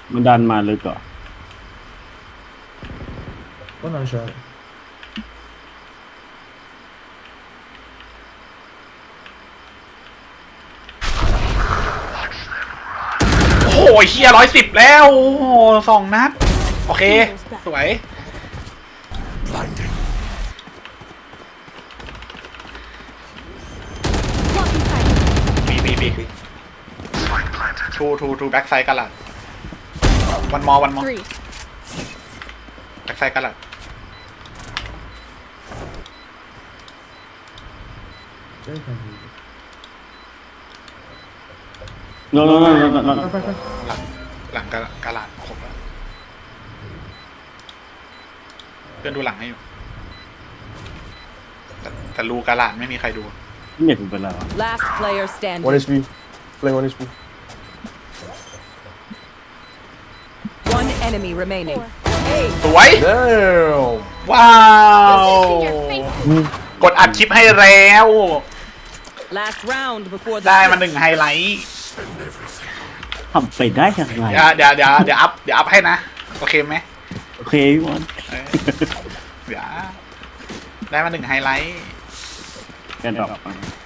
มันดันมาเลยก่อน One on shot. โอ้ยเฮีย110แล้วโอ้โห2 นัดโอเคสวยบีทูแบ็กไซด์กันละวันมอ Three. แบ็กไซด์กันละ Very confused. โน่น Five. หลังกะลาดครบแล้วเพื่อนดูหลังให้อยู่แต่รูกะลาดไม่มีใครดูเน็ตกูเป็นไรวะ Last player standing. One HP. Flame 1 HP. One enemy remaining. Hey, สวย Damn. ว้าว กดอัดคลิปให้แล้ว last round before the ได้มา switch. 1 ไฮไลท์ทำไปได้ยังไงเดี๋ยวอัพให้นะ โอเคไหมโอเคพี่บอลเออเดี๋ยวได้มา1 ไฮไลท์แกนดอก